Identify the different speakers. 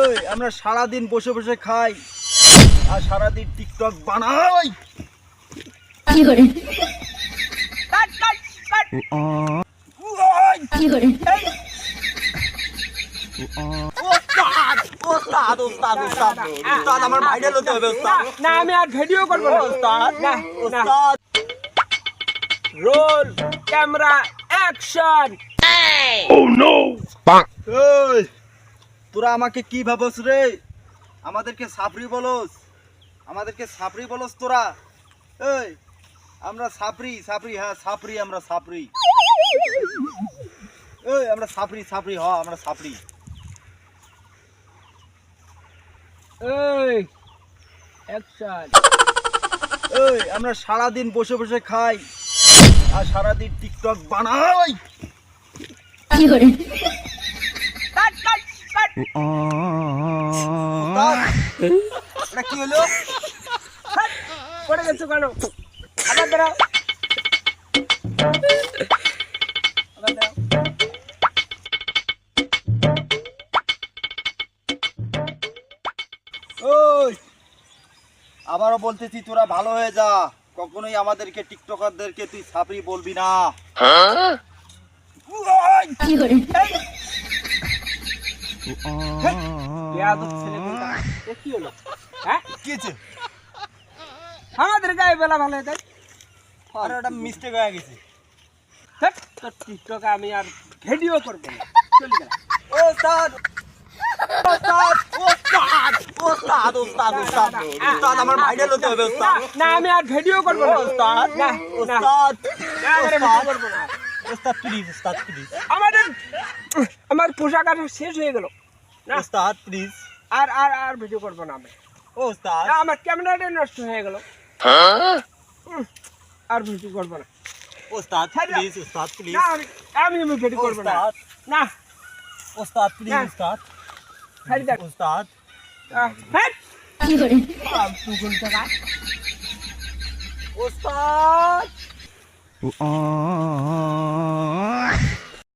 Speaker 1: ওই আমরা সারা দিন বসে বসে খাই আর সারা দিন টিকটক বানাই।
Speaker 2: কি করে
Speaker 3: কাট কাট কাট
Speaker 2: কি করে
Speaker 1: ওস্তাদ ওস্তাদ ওস্তাদ ওস্তাদ ওস্তাদ আমার ভাইরাল হতে হবে ওস্তাদ।
Speaker 3: না আমি আর ভিডিও করব না
Speaker 1: ওস্তাদ
Speaker 3: না না
Speaker 1: ওস্তাদ
Speaker 3: রোল ক্যামেরা অ্যাকশন
Speaker 1: ওই তোরা আমাকে কি ভাবস রে? আমাদেরকে সাপরি বলস, আমাদেরকে সাপরি বলস তোরা? এই আমরা সাপরি সাপরি, হ্যাঁ সাপরি, আমরা সাপরি। এই আমরা সাপরি সাপরি, হ্যাঁ আমরা সাপরি।
Speaker 3: এই অ্যাকশন
Speaker 1: এই আমরা সারা দিন বসে বসে খাই আর সারা দিন টিকটক বানাই।
Speaker 2: কি করে
Speaker 3: কাট কাট কাট
Speaker 1: ওস্তাদ, এটা কি হলো?
Speaker 3: পড়ে গেছো কেন? আবার দাঁড়াও আবার দাঁড়াও।
Speaker 1: ওই আবারও বলতেছি তোরা ভালো হয়ে যা, কখনোই আমাদেরকে টিকটকারদেরকে তুই সাপরি বলবি না।
Speaker 2: কি করে
Speaker 3: বেয়াদব ছেলে কোনটা? এ কি হলো? হ্যাঁ
Speaker 1: কি হয়েছে?
Speaker 3: আমাদের গায়ে বেলা ভালো তাই
Speaker 1: আরে ওটা মিস্টেক হয়ে গেছে।
Speaker 3: তোর টিকটক আমি আর ভিডিও করবো না, চলে গেলাম।
Speaker 1: ওস্তাদ ওস্তাদ ওস্তাদ ওস্তাদ ওস্তাদ ওস্তাদ ওস্তাদ আমার ভাইরাল হতে হবে ওস্তাদ।
Speaker 3: না আমি আর ভিডিও করবো না
Speaker 1: ওস্তাদ
Speaker 3: না না
Speaker 1: ওস্তাদ
Speaker 3: না, আমি আর ভিডিও করবো না।
Speaker 1: ওস্তাদ প্লিজ, ওস্তাদ প্লিজ,
Speaker 3: আমার পোশাক আর শেষ হয়ে গেল না
Speaker 1: ওস্তাদ please,
Speaker 3: R R R video করবো না আমি।
Speaker 1: ওস্তাদ
Speaker 3: না, আমার ক্যামেরাটা নষ্ট হয়ে গেল, আর ভিডিও করবো না।
Speaker 1: ওস্তাদ প্লিজ, ওস্তাদ প্লিজ,
Speaker 3: না আমি ভিডিও করবো না।
Speaker 1: ওস্তাদ
Speaker 3: না
Speaker 1: ওস্তাদ প্লিজ,
Speaker 3: না।
Speaker 1: ওস্তাদ
Speaker 3: ছাড়ি দেখ।
Speaker 1: ওস্তাদ
Speaker 3: হ্যাঁ
Speaker 2: কি করে
Speaker 3: তুই কোনটা গাছ?
Speaker 1: ওস্তাদ